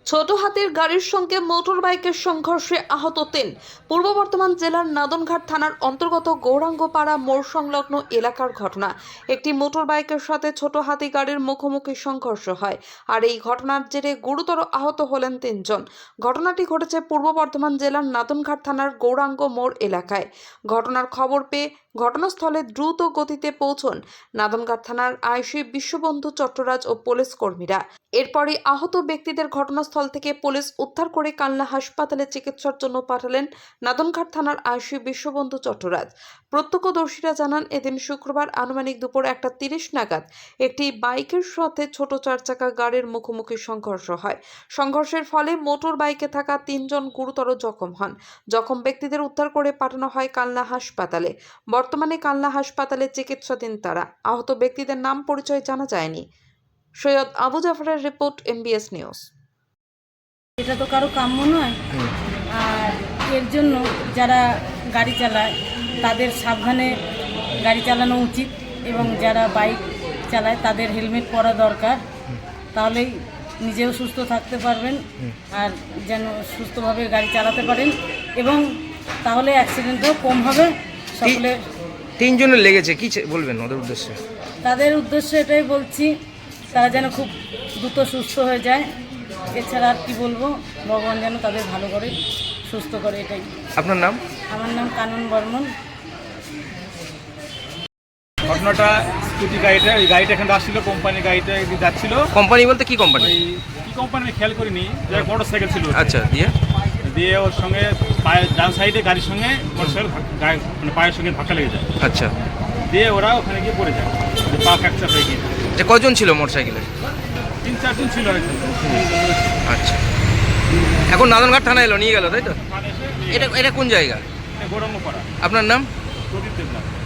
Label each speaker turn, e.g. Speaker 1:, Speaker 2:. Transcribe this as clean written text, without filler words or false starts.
Speaker 1: ছোট হাতির গাড়ির সঙ্গে মোটর বাইকের সংঘর্ষে আহত ৩। পূর্ব বর্ধমান জেলার নাদনঘাট থানার অন্তর্গত গৌরাঙ্গপাড়া মোড় সংলগ্ন এলাকার ঘটনা। একটি মোটর বাইকের সাথে ছোট হাতি গাড়ির মুখোমুখি সংঘর্ষ হয়, আর এই ঘটনার জেরে গুরুতর আহত হলেন ৩ জন। ঘটনাটি ঘটেছে পূর্ব বর্ধমান জেলার নাদনঘাট থানার গৌরাঙ্গ মোড় এলাকায়। ঘটনার খবর পেয়ে ঘটনাস্থলে দ্রুত গতিতে পৌঁছন নাদনঘাট থানার আইসি বিশ্ববন্ধু চট্টরাজ ও পুলিশ কর্মীরা। এরপরই আহত ব্যক্তিদের ঘটনাস্থল থেকে পুলিশ উদ্ধার করে কালনা হাসপাতালে চিকিৎসার জন্য পাঠালেন নাদনঘাট থানার আইসি বিশ্ববন্ধু চট্টরাজ। প্রত্যক্ষদর্শীরা জানান, এদিন শুক্রবার আনুমানিক দুপুর 1:30 নাগাদ একটি বাইকের সাথে ছোট 4 চাকা গাড়ির মুখোমুখি সংঘর্ষ হয়। সংঘর্ষের ফলে মোটর বাইকে থাকা 3 জন গুরুতর জখম হন। জখম ব্যক্তিদের উদ্ধার করে পাঠানো হয় কালনা হাসপাতালে। বর্তমানে কালনা হাসপাতালে চিকিৎসাধীন তারা। আহত ব্যক্তিদের নাম পরিচয় জানা যায়নি। সৈয়দ আবু জাফরের রিপোর্ট, MBS নিউজ।
Speaker 2: এটা তো কারো কাম্য নয়, আর এর জন্য যারা গাড়ি চালায় তাদের সাবধানে গাড়ি চালানো উচিত, এবং যারা বাইক চালায় তাদের হেলমেট পরা দরকার। তাহলেই নিজেও সুস্থ থাকতে পারবেন আর যেন সুস্থভাবে গাড়ি চালাতে পারেন, এবং তাহলে অ্যাক্সিডেন্টও কম হবে। সকলে
Speaker 3: 3 জনের লেগেছে, কি বলবেন ওদের উদ্দেশ্যে?
Speaker 2: তাদের উদ্দেশ্যে এটাই বলছি, তারা যেন খুব দ্রুত সুস্থ হয়ে যায়। এছাড়া আর কি বলবো, ভগবান যেন তাদের ভালো করে সুস্থ করে, এটাই।
Speaker 3: আপনার নাম?
Speaker 2: আমার নাম কানন বর্মন।
Speaker 4: ঘটনাটা স্কুটি গাড়িটা, ওই গাড়িটা এখানে আসছিল, কোম্পানির গাড়িটা এদিকে যাচ্ছিল।
Speaker 3: কোম্পানি বলতে কি কোম্পানি?
Speaker 4: ওই কি কোম্পানি আমি খেয়াল করিনি, যে মোটর সাইকেল ছিল।
Speaker 3: আচ্ছা,
Speaker 4: দিয়ে ওর সঙ্গে পায়ের ডান সাইডে গাড়ির সঙ্গে মোটর সাইকেল মানে পায়ের সঙ্গে ধাক্কা লেগে যায়।
Speaker 3: আচ্ছা,
Speaker 4: দিয়ে ওরা ওখানে গিয়ে পড়ে যায়, পা ফ্র্যাকচার হয়ে গিয়ে।
Speaker 3: যে কয়জন ছিল মোটরসাইকেলে?
Speaker 4: 3-4 জন ছিল হয়তো।
Speaker 3: আচ্ছা, এখন নাদনঘাট থানায় এলো, নিয়ে গেল, তাই তো?
Speaker 4: থানায় এসে
Speaker 3: এটা কোন জায়গা?
Speaker 4: গৌরাঙ্গপাড়া।
Speaker 3: আপনার নাম?
Speaker 4: প্রদীপ দেবনাথ।